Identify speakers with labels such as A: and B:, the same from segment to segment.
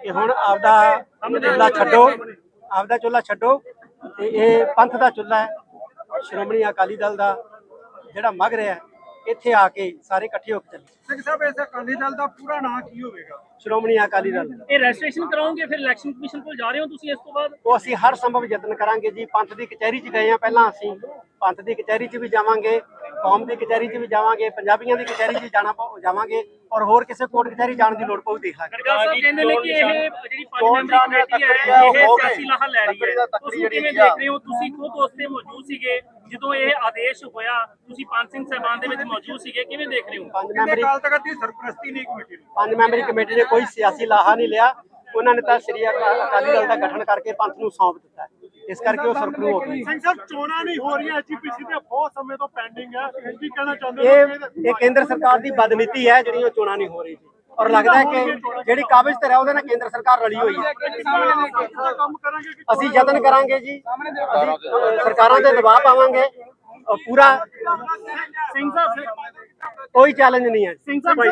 A: कि हुण आपदा चुल्हा छड्डो, आपदा चुल्हा छड्डो ते ये पंथ दा चुल्हा है। श्रोमणी अकाली दल दा जिहड़ा मग रहा इत्थे आके सारे इकट्ठे होके चले।
B: ਸਿੰਘ ਸਾਹਿਬ ਇਸ ਅਕਾਲੀ ਦਲ ਦਾ ਪੂਰਾ ਨਾਂ ਕੀ ਹੋਵੇਗਾ?
A: श्रोमणी अकाली दल
C: ਇਹ ਰਜਿਸਟ੍ਰੇਸ਼ਨ ਕਰਾਓਗੇ ਫਿਰ ਇਲੈਕਸ਼ਨ ਕਮਿਸ਼ਨ ਕੋਲ ਜਾ ਰਹੇ ਹੋ ਤੁਸੀਂ ਇਸ ਤੋਂ ਬਾਅਦ?
A: ਉਹ ਅਸੀਂ ਹਰ ਸੰਭਵ ਯਤਨ ਕਰਾਂਗੇ ਜੀ। ਪੰਥ ਦੀ ਕਚਹਿਰੀ 'ਚ ਗਏ ਆ ਪਹਿਲਾਂ, ਅਸੀਂ ਪੰਥ ਦੀ ਕਚਹਿਰੀ 'ਚ ਵੀ ਜਾਵਾਂਗੇ, ਕੌਮ ਦੀ ਕਚਹਿਰੀ 'ਚ ਵੀ ਜਾਵਾਂਗੇ, ਪੰਜਾਬੀਆਂ ਦੀ ਕਚਹਿਰੀ 'ਚ ਜਾਵਾਂਗੇ ਔਰ ਹੋਰ ਕਿਸੇ ਕੋਰਟ ਕਚਹਿਰੀ ਜਾਣ ਦੀ ਲੋੜ ਪਊ ਦੇਖਾਂਗੇ।
C: ਗਰਗਾ ਸਾਹਿਬ ਕਹਿੰਦੇ ਨੇ ਕਿ ਇਹ ਜਿਹੜੀ 5 ਮੈਂਬਰੀ ਕਮੇਟੀ ਹੈ ਇਹ ਸਿਆਸੀ ਲਾਹਾ ਲੈ ਰਹੀ ਹੈ, ਤੁਸੀਂ ਕਿਵੇਂ ਦੇਖ ਰਹੇ ਹੋ? ਤੁਸੀਂ ਖੁਦ ਉਸ ਤੇ ਮੌਜੂਦ ਸੀਗੇ ਜਦੋਂ ਇਹ ਆਦੇਸ਼ ਹੋਇਆ, ਤੁਸੀਂ ਪੰਜ ਸਿੰਘ ਸਾਹਿਬਾਨ ਦੇ ਵਿੱਚ ਮੌਜੂਦ ਸੀਗੇ, ਕਿਵੇਂ ਦੇਖ ਰਹੇ ਹੋ?
B: ਅਕਾਲ ਤਖਤ ਦੀ ਸਰਪ੍ਰਸਤੀ ਨਹੀਂ ਕਮੇਟੀ ਨੂੰ।
A: 5 ਮੈਂਬਰੀ ਕਮੇਟੀ ਨੇ ਕੋਈ ਸਿਆਸੀ ਲਾਹਾ ਨਹੀਂ ਲਿਆ। ਉਹਨਾਂ ਨੇ ਤਾਂ ਸ੍ਰੀ ਅਕਾਲੀ ਦਲ ਦਾ ਗਠਨ ਕਰਕੇ ਪੰਥ ਨੂੰ ਸੌਂਪ ਦਿੱਤਾ, ਇਸ ਕਰਕੇ ਉਹ ਸਰਪਰੂ ਹੋ ਗਈ।
B: ਸਿੰਘ ਸਾਹਿਬ ਚੋਣਾਂ ਨਹੀਂ ਹੋ ਰਹੀਆਂ, ਐਚਪੀਸੀ ਤੇ ਬਹੁਤ ਸਮੇਂ ਤੋਂ ਪੈਂਡਿੰਗ ਹੈ, ਕੀ ਕਹਿਣਾ ਚਾਹੁੰਦੇ ਹੋ?
A: ਇਹ ਕੇਂਦਰ ਸਰਕਾਰ ਦੀ ਬਦਨੀਤੀ ਹੈ ਜਿਹੜੀ ਉਹ ਚੋਣਾਂ ਨਹੀਂ ਹੋ ਰਹੀ ਜੀ। ਔਰ ਲੱਗਦਾ ਹੈ ਕਿ ਜਿਹੜੀ ਕਾਬਜ਼ ਤੇ ਹੈ ਉਹਦੇ ਨਾਲ ਕੇਂਦਰ ਸਰਕਾਰ ਰਲੀ ਹੋਈ ਹੈ।
B: ਕੰਮ ਕਰਾਂਗੇ ਕਿ
A: ਅਸੀਂ ਯਤਨ ਕਰਾਂਗੇ ਜੀ, ਅਸੀਂ ਸਰਕਾਰਾਂ ਤੇ ਦਬਾਅ ਪਾਵਾਂਗੇ ਪੂਰਾ।
C: ਸਿੰਘ ਸਾਹਿਬ
A: ਕੋਈ ਚੈਲੰਜ ਨਹੀਂ ਹੈ।
C: ਸਿੰਘ ਸਾਹਿਬ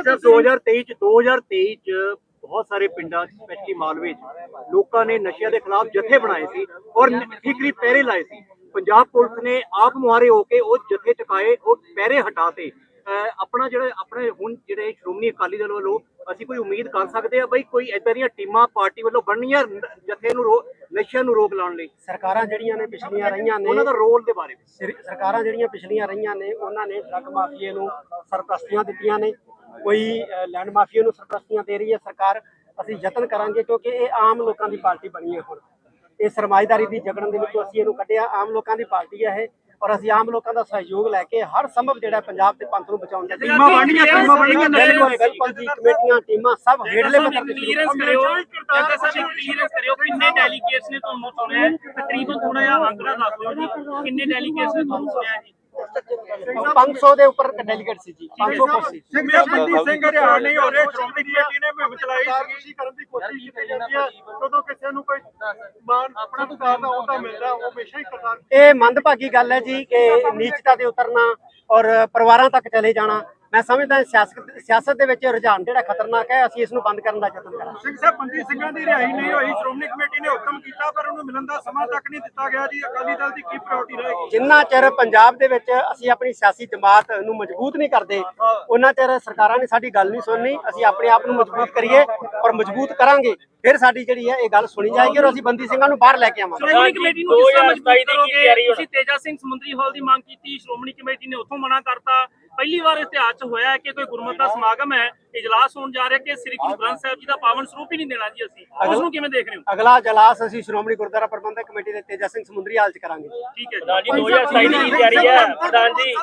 D: 2023 ਚ ਬਹੁਤ ਸਾਰੇ ਪਿੰਡਾਂ ਸਪੈਸ਼ਲੀ ਮਾਲਵੇ ਚ ਲੋਕਾਂ ਨੇ ਨਸ਼ਿਆਂ ਦੇ ਖਿਲਾਫ ਜਥੇ ਬਣਾਏ ਸੀ ਔਰ ਠੀਕਰੀ ਪਹਿਰੇ ਲਾਏ ਸੀ। ਪੰਜਾਬ ਪੁਲਿਸ ਨੇ ਆਪ ਮੁਹਾਰੇ ਹੋ ਕੇ ਉਹ ਜਥੇ ਚੁਕਾਏ, ਉਹ ਪਹਿਰੇ ਹਟਾਤੇ। ਆਪਣੇ ਹੁਣ ਜਿਹੜੇ ਸ਼੍ਰੋਮਣੀ ਅਕਾਲੀ ਦਲ ਵੱਲੋਂ ਅਸੀਂ ਕੋਈ ਉਮੀਦ ਕਰ ਸਕਦੇ ਆ ਬਈ ਕੋਈ ਏਦਾਂ ਦੀਆਂ ਟੀਮਾਂ ਪਾਰਟੀ ਵੱਲੋਂ ਬਣਨੀਆਂ ਜਥੇ ਨੂੰ ਨਸ਼ਿਆਂ ਨੂੰ ਰੋਕ ਲਾਉਣ ਲਈ?
A: ਸਰਕਾਰਾਂ ਜਿਹੜੀਆਂ ਨੇ ਪਿਛਲੀਆਂ ਰਹੀਆਂ ਨੇ,
D: ਉਹਨਾਂ ਦਾ ਰੋਲ ਦੇ ਬਾਰੇ
A: ਸਰਕਾਰਾਂ ਜਿਹੜੀਆਂ ਪਿਛਲੀਆਂ ਰਹੀਆਂ ਨੇ ਉਹਨਾਂ ਨੇ ਡਰੱਗ ਮਾਫੀਏ ਨੂੰ ਸਰਪ੍ਰਸਤੀਆਂ ਦਿੱਤੀਆਂ ਨੇ, ਕੋਈ ਲੈਂਡ ਮਾਫੀਏ ਨੂੰ ਸਰਪ੍ਰਸਤੀਆਂ ਦੇ ਰਹੀ ਹੈ ਸਰਕਾਰ। ਅਸੀਂ ਯਤਨ ਕਰਾਂਗੇ ਕਿਉਂਕਿ ਇਹ ਆਮ ਲੋਕਾਂ ਦੀ ਪਾਰਟੀ ਬਣੀ ਹੈ। ਹੁਣ ਇਹ ਸਰਮਾਏਦਾਰੀ ਦੀ ਜਗੜਨ ਦੇ ਵਿੱਚੋਂ ਅਸੀਂ ਇਹਨੂੰ ਕੱਢਿਆ, ਆਮ ਲੋਕਾਂ ਦੀ ਪਾਰਟੀ ਹੈ ਇਹ, ਔਰ ਅਸੀਂ ਆਮ ਲੋਕਾਂ ਦਾ ਸਹਿਯੋਗ ਲੈ ਕੇ ਹਰ ਸੰਭਵ ਜਿਹੜਾ ਪੰਜਾਬ ਤੇ ਪੰਥ ਨੂੰ ਬਚਾਉਣ ਦਾ
C: ਟੀਮਾਂ ਬਣਨੀਆਂ
A: ਬਿਲਕੁਲ ਜੀ, ਕਮੇਟੀਆਂ ਟੀਮਾਂ ਸਭ ਹੇਠਲੇ ਪੱਧਰ ਤੇ
C: ਕਲੀਅਰੈਂਸ ਕਰਿਓ, ਜੱਗਾ ਸਾਹਿਬ ਕਲੀਅਰੈਂਸ ਕਰਿਓ, ਕਿੰਨੇ ਡੈਲੀਗੇਟਸ ਨੇ ਤੁਹਾਨੂੰ ਚੁਣਿਆ? ਤਕਰੀਬਨ ਥੋੜਾ ਜਿਹਾ ਅੰਕੜਾ ਦੱਸ ਦਿਓ ਜੀ, ਕਿੰਨੇ ਡੈਲੀਗੇਟਸ ਨੇ ਤੁਹਾਨੂੰ ਚੁਣਿਆ ਜੀ?
A: 500 ਦੇ ਉੱਪਰ ਡੈਲੀਗੇਟ ਸੀ ਜੀ, 500 ਕੁਛ ਸੀ।
B: ਸਿੰਘ ਸਾਹਿਬ ਬੰਦੀ ਸਿੰਘ ਹਰਿਆਣਾ ਨਹੀਂ ਹੋ ਰਹੇ, ਸ਼੍ਰੋਮਣੀ ਕਮੇਟੀ ਨੇ ਮੁਹਿੰਮ ਚਲਾਈ ਸੀ ਕਰਨ ਦੀ ਕੋਸ਼ਿਸ਼ ਕੀਤੀ ਜਾਂਦੀ ਹੈ, ਜਦੋਂ ਕਿਸੇ ਨੂੰ ਕੋਈ ਮਾਨ ਆਪਣਾ ਸਰਕਾਰ ਦਾ ਅਹੁਦਾ ਮਿਲਦਾ ਉਹ ਹਮੇਸ਼ਾ ਹੀ ਕਰਤਾਰ।
A: ਇਹ ਮੰਦਭਾਗੀ ਗੱਲ ਹੈ ਜੀ ਕਿ ਨੀਚਤਾ ਤੇ ਉਤਰਨਾ ਔਰ ਪਰਿਵਾਰਾਂ ਤੱਕ ਚਲੇ ਜਾਣਾ। ਮੈਂ ਸਮਝਦਾ ਸਿਆਸਤ ਦੇ ਵਿੱਚ ਰੁਝਾਨ ਜਿਹੜਾ ਖਤਰਨਾਕ ਹੈ, ਅਸੀਂ ਇਸ ਨੂੰ ਬੰਦ ਕਰਨ ਦਾ ਯਤਨ ਕਰਾਂਗੇ।
B: ਸਿੰਘ ਸਾਹਿਬ ਬੰਦੀ ਸਿੰਘਾਂ ਦੀ ਰਿਹਾਈ ਨਹੀਂ ਹੋਈ, ਸ਼੍ਰੋਮਣੀ ਕਮੇਟੀ ਨੇ ਹੁਕਮ ਕੀਤਾ ਪਰ ਉਹਨੂੰ ਮਿਲਣ ਦਾ ਸਮਾਂ ਤੱਕ ਨਹੀਂ ਦਿੱਤਾ ਗਿਆ ਜੀ। ਅਕਾਲੀ ਦਲ ਦੀ ਕੀ ਪ੍ਰਾਇੋਰਟੀ ਰਹੇਗੀ?
A: ਜਿੰਨਾ ਚਿਰ ਪੰਜਾਬ ਦੇ ਵਿੱਚ ਅਸੀਂ ਆਪਣੀ ਸਿਆਸੀ ਜਮਾਤ ਨੂੰ ਮਜ਼ਬੂਤ ਨਹੀਂ ਕਰਦੇ, ਉਹਨਾਂ ਚਿਰ ਸਰਕਾਰਾਂ ਨੇ ਸਾਡੀ ਗੱਲ ਨਹੀਂ ਸੁਣਨੀ। ਅਸੀਂ ਆਪਣੇ ਆਪ ਨੂੰ ਮਜ਼ਬੂਤ ਕਰੀਏ ਔਰ ਮਜ਼ਬੂਤ ਕਰਾਂਗੇ, ਫਿਰ ਸਾਡੀ ਜਿਹੜੀ ਹੈ ਇਹ ਗੱਲ ਸੁਣੀ ਜਾਏਗੀ ਔਰ ਅਸੀਂ ਬੰਦੀ ਸਿੰਘਾਂ ਨੂੰ ਬਾਹਰ ਲੈ ਕੇ ਆਵਾਂਗੇ।
C: ਸ਼੍ਰੋਮਣੀ ਕਮੇਟੀ ਨੂੰ ਕਿਸ ਤਰ੍ਹਾਂ ਮਜ਼ਬੂਤ ਕਰੋਗੇ? ਤੁਸੀਂ ਤੇਜਾ ਸਿੰਘ ਸਮੁੰਦਰੀ ਹਾਲ ਦੀ ਮੰਗ ਕੀਤੀ, ਸ਼੍ਰੋਮਣੀ ਕਮੇਟੀ ਨੇ ਉੱਥੋਂ ਮਨਾ ਕਰਤਾ। ਪਹਿਲੀ ਵਾਰ ਇਤਿਹਾਸ 'ਚ ਹੋਇਆ ਕਿ ਕੋਈ ਗੁਰਮਤਿ ਦਾ ਸਮਾਗਮ ਹੈ, ਇਜਲਾਸ ਹੋਣ ਜਾ ਰਿਹਾ ਕਿ ਸ੍ਰੀ ਗੁਰੂ ਗ੍ਰੰਥ ਸਾਹਿਬ ਜੀ ਦਾ ਪਾਵਨ ਸਰੂਪ ਹੀ ਨਹੀਂ ਦੇਣਾ ਜੀ। ਅਸੀਂ ਉਸ ਨੂੰ ਕਿਵੇਂ ਦੇਖ ਰਹੇ ਹੋ?
A: ਅਗਲਾ ਇਜਲਾਸ ਅਸੀਂ ਸ਼੍ਰੋਮਣੀ ਗੁਰਦੁਆਰਾ ਪ੍ਰਬੰਧਕ ਕਮੇਟੀ ਦੇ ਤੇਜਾ ਸਿੰਘ ਸਮੁੰਦਰੀ ਹਾਲ 'ਚ ਕਰਾਂਗੇ।
C: ਠੀਕ ਹੈ ਜੀ, 2027 ਦੀ ਤਿਆਰੀ ਹੈ ਪ੍ਰਧਾਨ ਜੀ।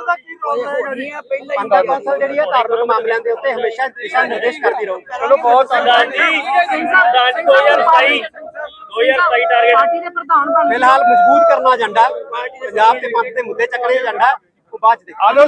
A: ਪੰਥਕ ਕੌਂਸਲ ਜਿਹੜੀ ਹੈ ਧਾਰਮਿਕ ਮਾਮਲਿਆਂ ਦੇ ਉੱਤੇ ਹਮੇਸ਼ਾ ਦਿਸ਼ਾ ਨਿਰਦੇਸ਼ ਕਰਦੀ ਰਹੂ।
C: ਚਲੋ ਬਹੁਤ ਪ੍ਰਧਾਨ ਜੀ 2027 ਟਾਰਗੇਟ
A: ਫਿਲਹਾਲ ਮਜ਼ਬੂਤ ਕਰਨਾ ਏਜੰਡਾ, ਪੰਜਾਬ ਤੇ ਪੰਥ ਦੇ ਮੁੱਦੇ ਚੱਕਣੇ ਏਜੰਡਾ, ਉਹ ਬਾਅਦ ਚ ਦੇਖਾਂਗੇ।